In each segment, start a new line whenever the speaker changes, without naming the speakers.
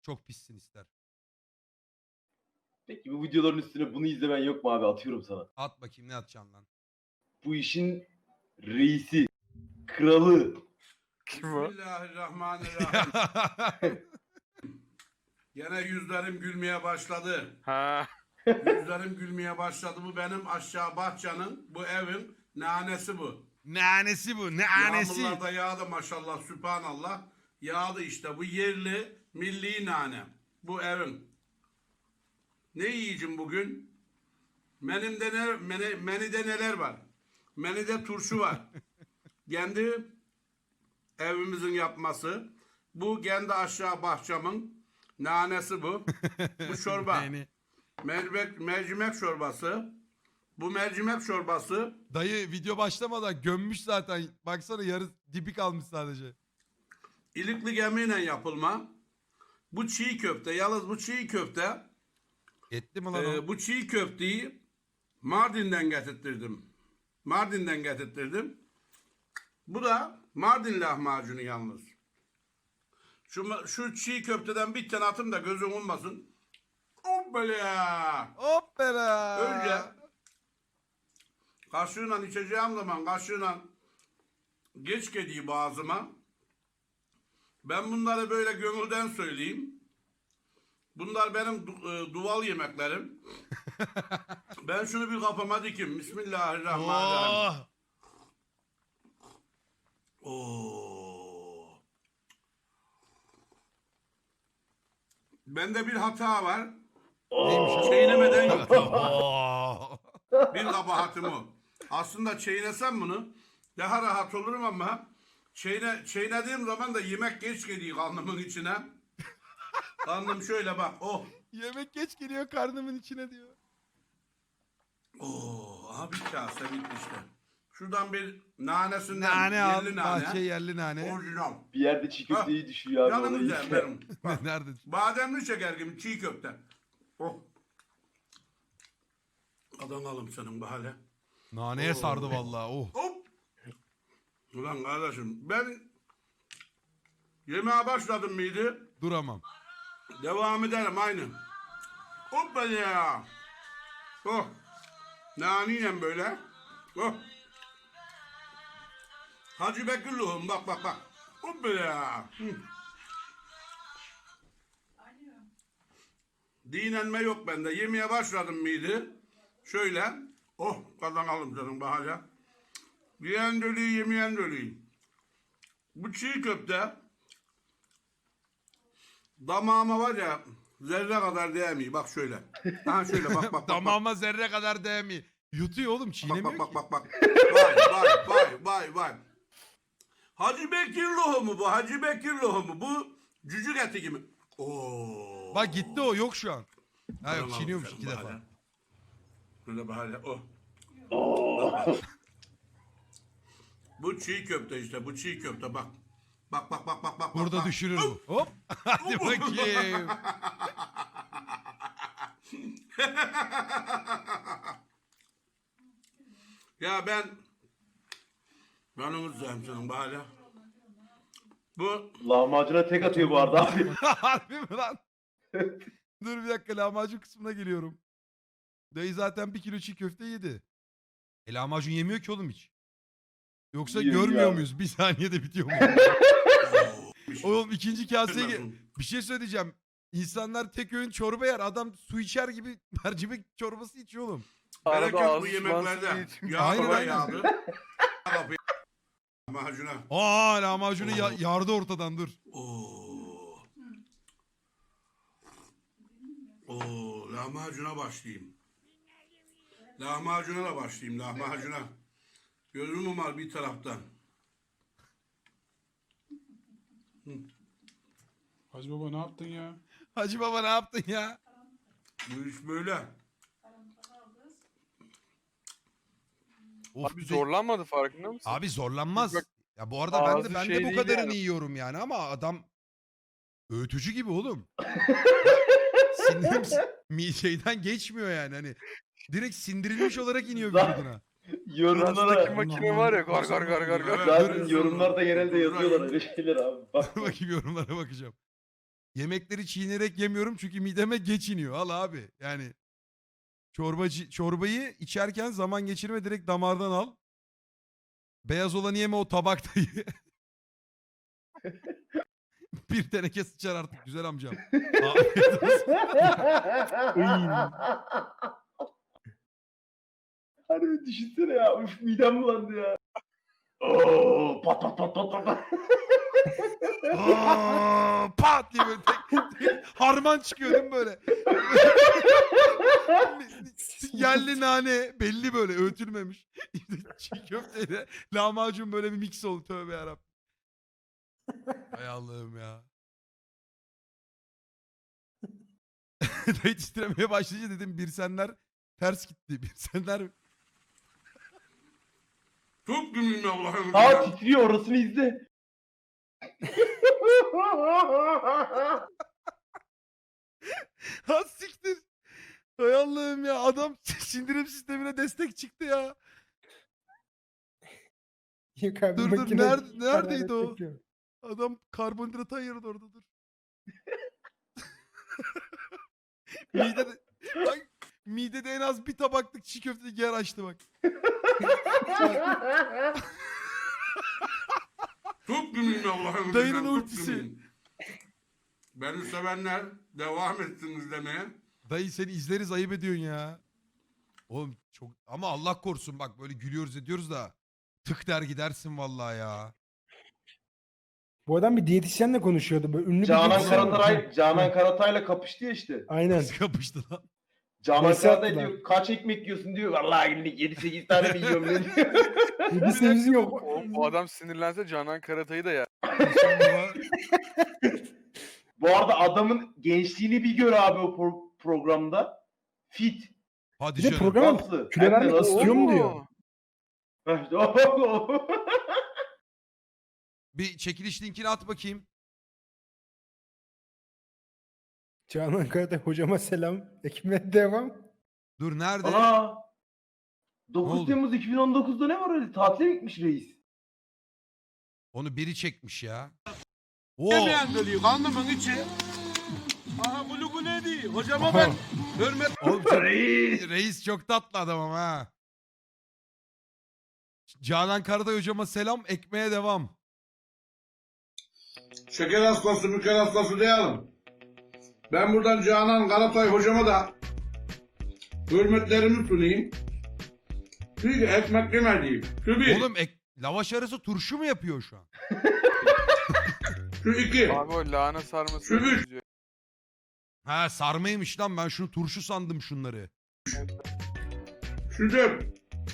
Çok pissin ister.
Peki bu videoların üstüne bunu izlemen yok mu abi? Atıyorum sana.
At bakayım ne atacaksın lan.
Bu işin reisi, kralı.
Kim o?
Bismillahirrahmanirrahim. Gene yüzlerim gülmeye başladı.
Ha.
Yüzlerim gülmeye başladı. Bu benim aşağı bahçenin, bu evin nanesi bu.
Nanesi bu. Nanesi.
Yağmurlar da yağdı maşallah, sübhanallah. Yağdı işte, bu yerli, milli nane. Bu evin. Ne yiyeceğim bugün? Menüde neler var? Menüde turşu var. Kendi evimizin yapması. Bu kendi aşağı bahçemin nanesi bu. Bu çorba.
Yani.
Mercimek çorbası. Bu mercimek çorbası.
Dayı video başlamadan gömmüş zaten. Baksana yarı dibi kalmış sadece.
İlikli gemiyle yapılma. Bu çiğ köfte. Yalnız bu çiğ köfte.
Etli mi lan o?
Bu çiğ köfteyi Mardin'den getirttirdim. Mardin'den getirttirdim. Bu da Mardin lahmacunu yalnız. Şu çiğ köfteden bir tane atın da gözün olmasın. Hoppala.
Hoppala.
Önce kaşığıyla içeceğim zaman kaşığıyla geç geliyor boğazıma. Ben bunları böyle gönülden söyleyeyim. Bunlar benim duval yemeklerim. Ben şunu bir kafama dikim. Bismillahirrahmanirrahim.
Oh.
Oo. Bende bir hata var.
Neymiş o?
Çiğnemeden yok.
Oh.
Bir kabahatim o. Aslında çiğnesem bunu daha rahat olurum ama çiğnediğim zaman da yemek geç geliyor karnımın içine. Karnım şöyle bak. Oh.
Yemek geç geliyor karnımın içine diyor.
Oh. Aha bir kase bitti işte. Şuradan bir nanesinden
Nane al.
yerli nane.
Bahçe yerli nane.
Orijinal.
Bir yerde çiğ köfteyi düşüyor abi.
Canım
Onu
güzel
iyi.
benim. Bak,
Nerede?
bademli şeker gibi çiğ köfte. Oh. Adanalım senin bu hale.
Naneye sardı vallahi. Oh.
Hop. Ulan kardeşim ben yemeğe başladım mıydı?
Duramam.
Devam ederim aynı. Hoppa ya. Oh. Naniyle böyle. Oh. Hacı Bekirluğum bak bak bak. Hoppa ya. Dinlenme yok bende. Yemeye başladım mıydı? Şöyle. Oh kazanalım canım bahane. Yiyen dölüyü yemeyen dölüyü. Bu çiğ köfte damağıma var ya zerre kadar değmiyor. Bak şöyle. Ha şöyle bak bak bak.
Damağıma zerre kadar değmiyor. Yutuyor oğlum
Bak
çiğnemiyor
bak
ki.
bak bak bak. Vay vay vay vay vay. Hacı Bekir lohumu bu. Hacı Bekir lohumu. Bu cücük eti gibi. Oo.
Bak gitti o yok şu an. Ha yok
Tamam,
çiğniyormuş
sen
2 defa.
bahane. Böyle bahane. Oh.
Oo.
Bu çiğ köfte işte. Bu çiğ köfte bak. Bak bak bak bak bak.
Burada
bak.
düşürür bu. Hop. Hadi bakayım.
Ya ben onu senin bahane. Bu
Lahmacuna tek atıyor bu arada abi.
Harbi mi lan? Dur bir dakika lahmacun kısmına geliyorum. Dayı zaten 1 kilo çiğ köfte yedi. Lahmacun yemiyor ki oğlum hiç. Yoksa
Yiyor,
görmüyor
yiyor.
muyuz? Bir saniyede bitiyor mu? Oğlum ikinci kaseye bir şey söyleyeceğim. İnsanlar tek öğün çorba yer. Adam su içer gibi mercimek çorbası içiyor oğlum.
bereket
Arada
bu
ağzı
yemeklerde.
sulansın diye
Aynen,
Yağmura
aynen.
yağdı. Kapıyı macuna.
Aa lahmacunu yardı ortadan dur.
Oo. Oo, lahmacuna başlayayım. Lahmacuna da başlayayım, lahmacuna. Gözüm var bir taraftan.
Hacı baba ne yaptın ya?
Hacı baba ne yaptın ya?
Bu iş böyle.
Of,
Abi zorlanmadı farkında mısın?
Abi zorlanmaz.
Bak,
Ya bu arada ben
ağzı
de
şey
bu
değil
kadarını
yani.
yiyorum yani ama adam öğütücü gibi oğlum. Sinirim şeyden geçmiyor yani hani. Direkt sindirilmiş olarak iniyor vücuduna.
Rastaki
Yorumlara
makine var ya gar gar gar gar gar.
Evet.
zaten yorumlarda genelde yazıyorlar öyle şeyler abi. Bak.
Dur bakayım yorumlara bakacağım. Yemekleri çiğnerek yemiyorum çünkü mideme geç iniyor. Al abi. Yani çorbayı içerken zaman geçirme, direkt damardan al. Beyaz olanı yeme, o tabakta ye. Bir teneke sıçar artık güzel amcam. Afiyet olsun.
Harbi düşünsene ya. Üf, midem bulandı ya. Oo, pat pat pat pat pat.
Aa, pat diye böyle tek harman çıkıyor değil mi böyle? Yerli nane belli, böyle öğütülmemiş. Çiğ köfteyle lahmacun böyle bir mix oldu, tövbe yarabbim. Hay Allah'ım ya. Dayı titremeye başlayınca dedim bir senler ters gitti. Bir senler
Çok gümrüm Allah'ım.
Aa titriyor, orasını izle.
ha siktir. Hay Allah'ım ya, adam sindirim sistemine destek çıktı ya.
Yok abi,
Dur,
makine
neredeydi
hararet
o?
yapıyor.
Adam karbonhidrat ayırdı orada, dur. midede, bak, midede en az bir tabaklık çiğ köfte yer açtı bak.
Çok gümrüm Allah'ım.
Dayının
Çok
ultisi.
gümrüm. Beni sevenler devam etsin izlemeye.
Dayı seni izleriz, ayıp ediyorsun ya. Oğlum çok, ama Allah korusun bak, böyle gülüyoruz ediyoruz da tık der gidersin vallahi ya.
Bu adam bir diyetisyenle konuşuyordu. Böyle ünlü bir
Canan
diyetisyen.
Karatay'la kapıştı ya işte.
Aynen.
Nasıl kapıştı lan?
Canan
Neyse
Karatay
yaptılar.
diyor kaç ekmek yiyorsun diyor. Vallahi günlük 7-8 tane mi yiyorum ne diyor.
Bir sevgisi yok.
O adam sinirlense Canan Karatay'ı da yer.
Bu arada adamın gençliğini bir gör abi o programda. Fit.
Hadi
Bir de
canım.
program
Nasıl?
kilo
Hem de
vermek
nasıl?
istiyor mu diyor.
Bir çekiliş linkini at bakayım.
Canan Karatay hocama selam. Ekmeğe devam.
Dur nerede?
Ana.
Ne
9
oldu?
Temmuz 2019'da ne var öyle? Tatile gitmiş reis.
Onu biri çekmiş ya. Oo.
Yemeyen dölüyor karnımın içi. Aha gulu gulu değil. Hocama ben hürmet.
Oğlum çok-
Reis.
reis çok tatlı adam ama ha. Canan Karatay hocama selam, ekmeğe devam.
Şeker hastası, müker hastası diyelim. Ben buradan Canan Karatay hocama da hürmetlerimi sunayım. Çünkü ekmek yemediğim. Şu bir,
Oğlum lavaş arası turşu mu yapıyor şu an?
şu iki,
Abi o lahana sarması.
Şu bir.
diyor.
Ha sarmaymış lan, ben şunu turşu sandım şunları.
şu dört,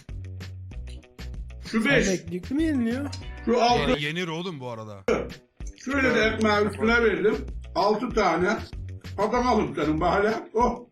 şu
Sen
beş,
eklikli mi yeniliyor?
şu altı.
Yenir oğlum bu arada.
Şöyle de ekmeği üstüne verdim. 6 tane. Adam alıp senin bahane. Oh.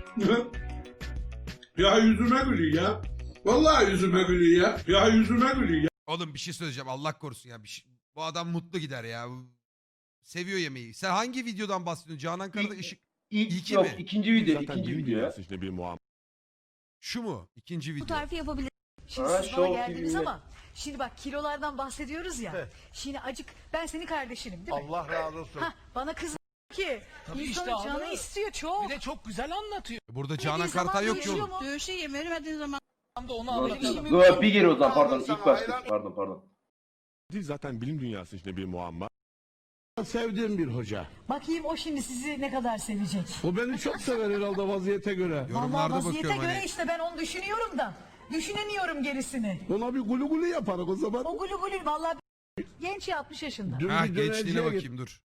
Ya yüzüme gülüyor ya. Vallahi yüzüme gülüyor ya. Ya yüzüme gülüyor ya.
Oğlum bir şey söyleyeceğim, Allah korusun ya. Bu adam mutlu gider ya. Seviyor yemeği. Sen hangi videodan bahsediyorsun? Canan Karatay ışık. İki
Yok,
mi?
ikinci video.
Zaten
ikinci
bilim
video.
dünyası işte bir muamma.
Şu mu? İkinci
Bu
video.
tarifi yapabilir. Şimdi
Ha,
siz
Show
bana geldiniz
TV'de.
ama şimdi bak kilolardan bahsediyoruz ya. Şimdi acık ben senin kardeşinim değil mi?
Allah razı olsun.
Hah, bana kız ki
Tabii
insanın
işte
canı
abi.
istiyor çok.
Bir de çok güzel anlatıyor.
Burada Canan
Dediği zaman
Karatay yok ki
dövüşüyor
oğlum.
mu?
Dövüşe vermediğin zaman da onu
Dur,
anlatalım.
dur, bir geri o zaman pardon. İlk başta. Pardon.
Zaten bilim dünyası işte bir muamma.
Sevdiğim bir hoca.
Bakayım o şimdi sizi ne kadar sevecek.
O beni çok sever herhalde vaziyete göre.
Vallahi
Yorumlarda
vaziyete
bakıyorum
göre
hani.
işte ben onu düşünüyorum da. Düşünemiyorum gerisini.
Ona bir gulu gulu yaparız o zaman.
O gulu gulu vallahi genç ya 60 yaşında.
Dün
Ha
bir
gençliğine
dönerciye
bakayım dur.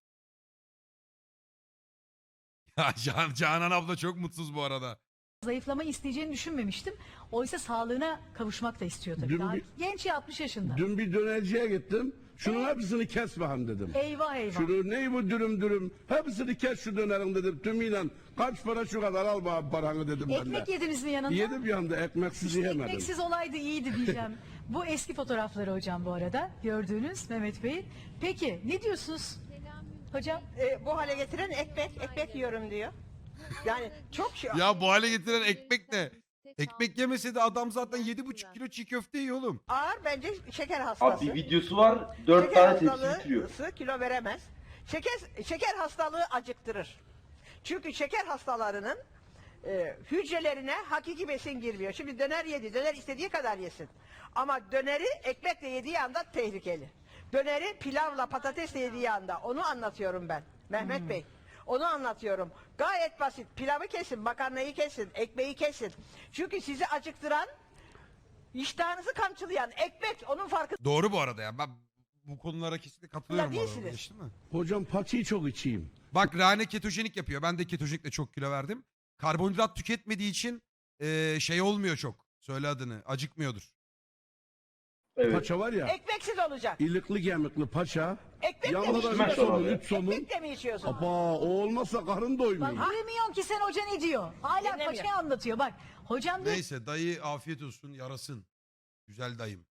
Ya Canan abla çok mutsuz bu arada.
Zayıflama isteyeceğini düşünmemiştim. Oysa sağlığına kavuşmak da istiyor tabii.
Dün
Daha
bir-
genç ya 60 yaşında.
Dün bir dönerciye gittim. Şunun hepsini kes bakalım dedim.
Eyvah eyvah.
Şunu ney bu dürüm. Hepsini kes şu dönerin dedim. Tümüyle kaç para şu kadar al bana paranı dedim ben de.
Ekmek yediniz mi yanında?
Yedim yanında ekmeksiz yemedim.
Ekmeksiz olaydı iyiydi diyeceğim. Bu eski fotoğrafları hocam bu arada. Gördüğünüz Mehmet Bey'in. Peki ne diyorsunuz? Hocam
Bu hale getiren ekmek yiyorum diyor. Yani çok şey.
Ya bu hale getiren ekmek ne? Ekmek yemese de adam zaten 7,5 kilo çiğ köfte yiyor oğlum.
Ağır bence şeker
Abi
hastası.
bir videosu var. 4
Şeker
tane tepsi
hastalığı
bitiriyor.
kilo veremez. Şeker hastalığı acıktırır. Çünkü şeker hastalarının hücrelerine hakiki besin girmiyor. Şimdi döner yedi, döner istediği kadar yesin. Ama döneri ekmekle yediği anda tehlikeli. Döneri pilavla patatesle yediği anda, onu anlatıyorum ben. Mehmet Bey. Onu anlatıyorum. Gayet basit. Pilavı kesin, makarnayı kesin, ekmeği kesin. Çünkü sizi acıktıran, iştahınızı kamçılayan ekmek, onun farkında
Doğru bu arada ya. Ben bu konulara kesinlikle katılıyorum. bu arada.
değilsiniz.
Geçti mi?
Hocam paçayı çok içeyim.
Bak Rane ketojenik yapıyor. Ben de ketojenikle çok kilo verdim. Karbonhidrat tüketmediği için şey olmuyor çok. Söyle adını. Acıkmıyordur.
Evet.
Paça var ya.
Ekmeksiz olacak.
İlikli gemikli paça.
Ekmek de mi
Yanında da
içmez
üç
içiyorsun?
somun,
abi.
üç somun.
Ekmek de mi içiyorsun?
Aba o olmazsa karın doymuyor.
Bak duymuyorsun ki sen hoca ne diyor. Hala
Dinlemiyor.
paçayı anlatıyor. Bak hocam diyor
Neyse dayı afiyet olsun yarasın. Güzel dayım.